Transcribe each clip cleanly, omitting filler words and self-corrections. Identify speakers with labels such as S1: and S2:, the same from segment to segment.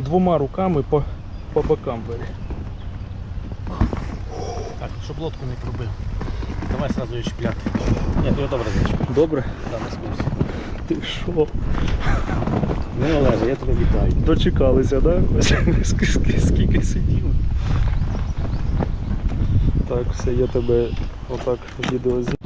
S1: двома руками по бокам бери.
S2: Так, щоб лодку не пробив. Давай сразу її чіпляти. Ні, ти його добре зачіпляв.
S1: Добре?
S2: Да, не спився.
S1: Ти що?
S2: Ну, Олеже, я тебе вітаю.
S1: Дочекалися, так? Да? Скільки сиділи. Так, все, я тебе отак відео знімаю.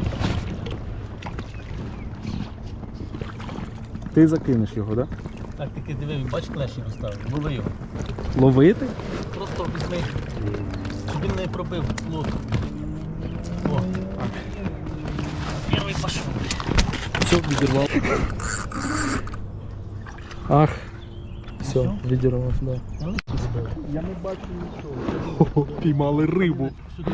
S1: Ти закинеш його, так? Да?
S2: Так, тільки диви, він бач, клешні розставив. Лови його.
S1: Ловити?
S2: Просто візьми, щоб він не пробив лодку. О, перший пішов.
S1: Все, відірвав. Ах, все, відірвав, да. Я не бачу нічого. Піймали рибу.
S2: Сюди.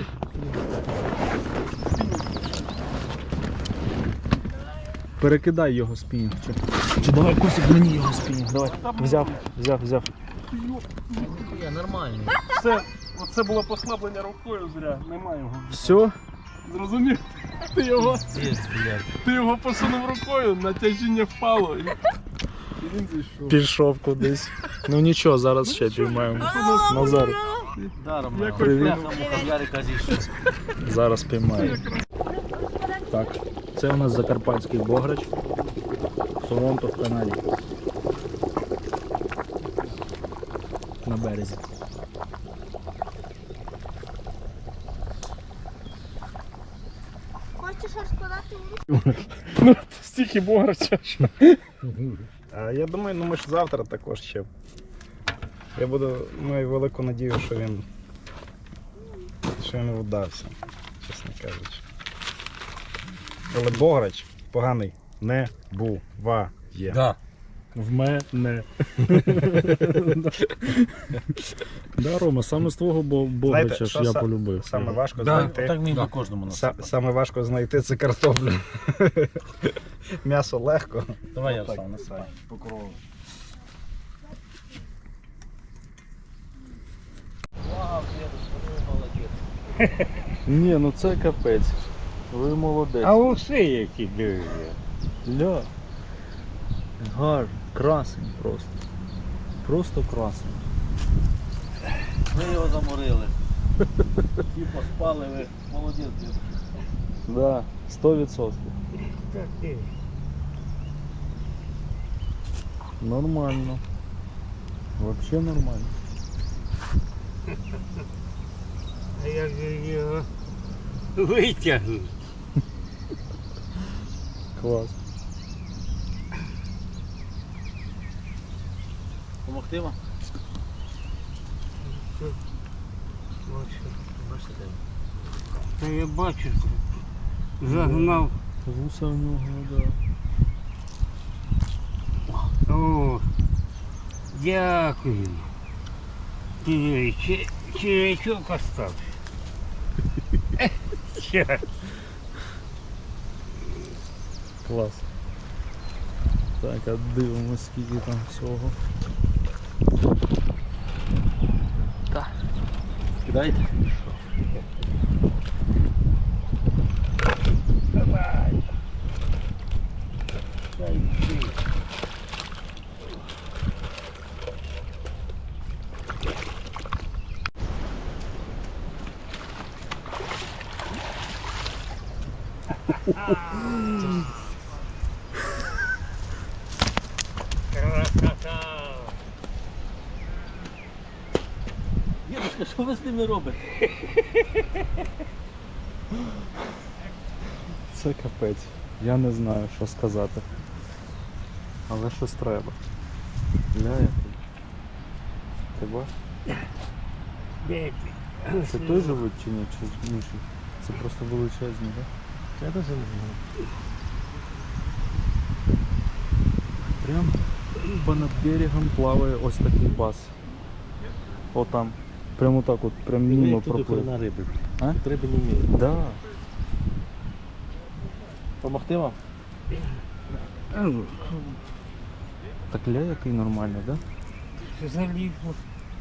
S1: Перекидай його спінінг. Чи давай Косик мені його спінінг. Давай. Взяв.
S2: Я нормальний.
S3: Все, оце було послаблення рукою зря, немає його.
S1: Все?
S3: Зрозумів?
S2: Здесь, блядь.
S3: Ти його посунув рукою, натяжіння впало і він зійшов.
S1: Пішов кудись. Ну нічого, зараз ще піймаємо. Назар,
S2: Даром,
S1: Привіт.
S2: муха в Ярика зійшов.
S1: зараз піймаємо. Так, це у нас закарпатський бограч. Торонто в Канаді. На березі.
S4: Хочеш розкладати у
S3: Ну, стільки бограча.
S5: А я думаю, ну ми ж завтра також ще. Я маю велику надію, що він вдався, чесно кажучи. Але бограч поганий не буває.
S2: Да.
S1: В мене. Да, Рома, саме з твого бограча
S5: Знаєте,
S1: ж
S5: що
S1: я полюбив.
S5: Саме важко
S2: Да,
S5: знайти.
S2: так міг би кожному насипати.
S5: Саме важко знайти це картоплю. М'ясо легко.
S2: Давай я встав, насипай.
S5: Покрову.
S2: Вау, дедусь, ви молодець.
S1: Ні, ну це капець. Ви молодець.
S6: А усе які диви.
S1: Ля. Гар, красень просто. Просто красень.
S2: Ви його заморили. Ті поспали, ви молодець, дедусь.
S1: Да, 100%.
S6: Так ти.
S1: Нормально. Вообще нормально.
S6: А як же його витягнув?
S1: Клас.
S2: Помогти вам?
S6: Та я бачу, загнав.
S1: Вуса в нього, да.
S6: О, дякую. Диви, червячок остався. Щас.
S1: Клас. Так, а дивимось, скільки там всього.
S2: Кидайте.
S6: Давай. Дай йди. Красота.
S2: Дедушка, що ви з ними робите?
S1: Це капець. Я не знаю, що сказати. Але щось треба. Ля, який. Ти бачиш?
S6: Де ти?
S1: Це той живуть чи ні? Чи інший? Це просто величезні, так?
S2: Я теж не знаю.
S1: Прям понад берегом плаває ось такий бас. О там. Прямо так от, прям мимо проплив.
S2: на риби.
S1: А?
S2: Тут риби не вміють.
S1: Да.
S2: Помогти вам?
S1: Так ля який нормальний, да?
S6: Залізло.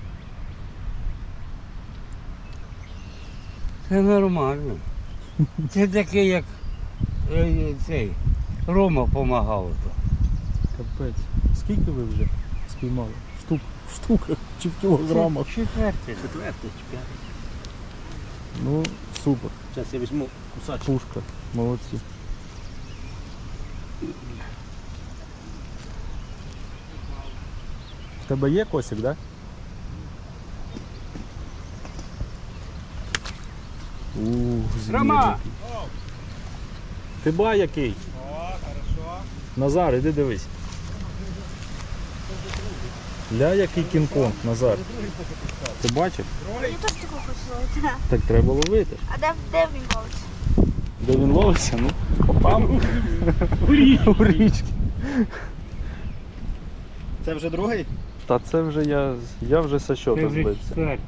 S6: Це нормально. Це таке, як цей Рома допомагав.
S1: Капець. Скільки ви вже спіймали? Штук В штуках чи в кілограмах.
S6: Четвертий.
S2: Четвертий чи п'ятий.
S1: Ну, супер.
S2: Зараз я візьму кусачок.
S1: Пушка. Молодці. В тебе є косик, так? Да? Звір
S6: Рома!
S1: який. Ти ба який?
S5: О, хорошо.
S1: Назар, іди дивись. Ля який кінг-конг, Назар. Ти бачив?
S4: Я теж такого хочу ловити.
S1: Так треба ловити.
S4: А де він ловиться?
S1: Де він ловиться? Ну, попав. У річки.
S5: Це вже другий?
S1: Та це вже я вже со
S6: Це
S1: щота
S6: вже
S1: збився.
S6: четвертий.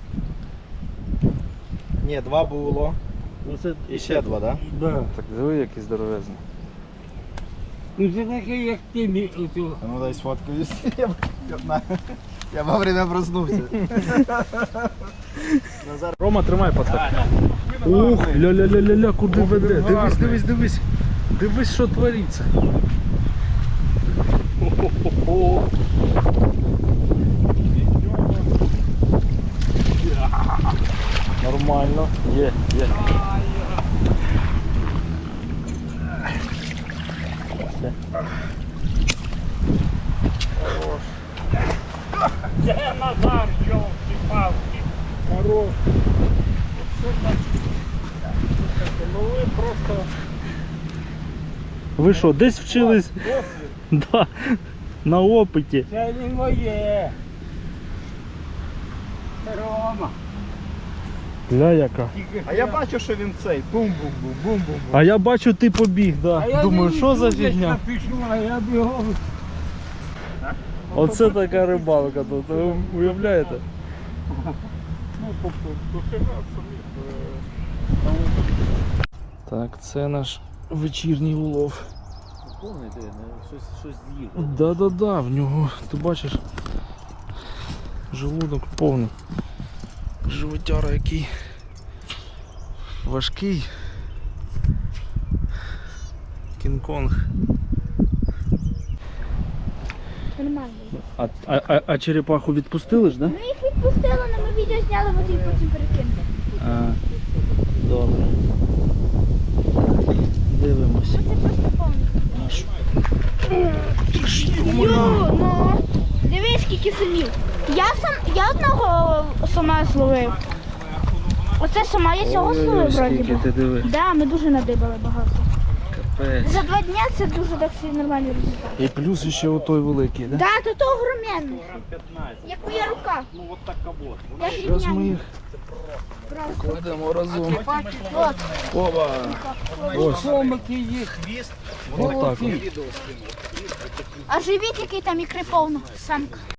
S5: Ні, два було.
S2: Ну, це
S5: І ще два, так?
S6: Да.
S1: Так диви, який здоровезний.
S6: Ну це такий, як ти оцю.
S5: А ну дай сфоткаюсь. Я вовремя проснувся.
S1: Рома, тримай пацак. Ух, ля-ля-ля-ля-ля, куди веде? Дивись, дивись, дивись. Дивись, що твориться. Нормально. Є.
S6: Це Назар, йолки-палки.
S1: Хорош.
S6: Ну ви просто...
S1: Ви що, десь вчились? Да, на опиті.
S6: Це не моє. Це Рома.
S1: Ля яка.
S5: А я бачу, що він цей. Бум-бум-бум, бум-бум-бум.
S1: А я бачу, ти побіг, да.
S6: А я
S1: Думаю,
S6: не
S1: що за
S6: йду, десь
S1: фігня?
S6: напишу, а я бігом.
S1: Оце така рибалка тут, ви уявляєте? Так, це наш вечірній улов.
S2: повний, щось з'їв.
S1: Да-да-да, в нього, ти бачиш, желудок повний. Животяра який важкий. Кінг-Конг.
S4: Нормально.
S1: А черепаху відпустили ж, да?
S4: Ми їх відпустили, але ми відео зняли, от їх потім перекинули.
S1: А, добре. Дивимось.
S4: Це просто повний. Ну, дивись, скільки самів. Я одного сама зловив. Оце сама я цього зловив, вроді
S1: скільки
S4: би.
S1: ти диви.
S4: Да, ми дуже надибали багато.
S1: Капець.
S4: За 2 дня це дуже так нормальний результат.
S1: І плюс ще отой великий, да?
S4: Да, то огроменний. Як моя рука.
S5: Ну от так кабот.
S4: Я ж
S1: Зараз ми
S4: рівняю.
S1: їх кладемо разом.
S4: От.
S1: Опа! Ось.
S6: Комики є.
S5: Хвіст.
S1: Отак.
S5: Відео скину.
S4: А живіт, який там ікри повно, самка.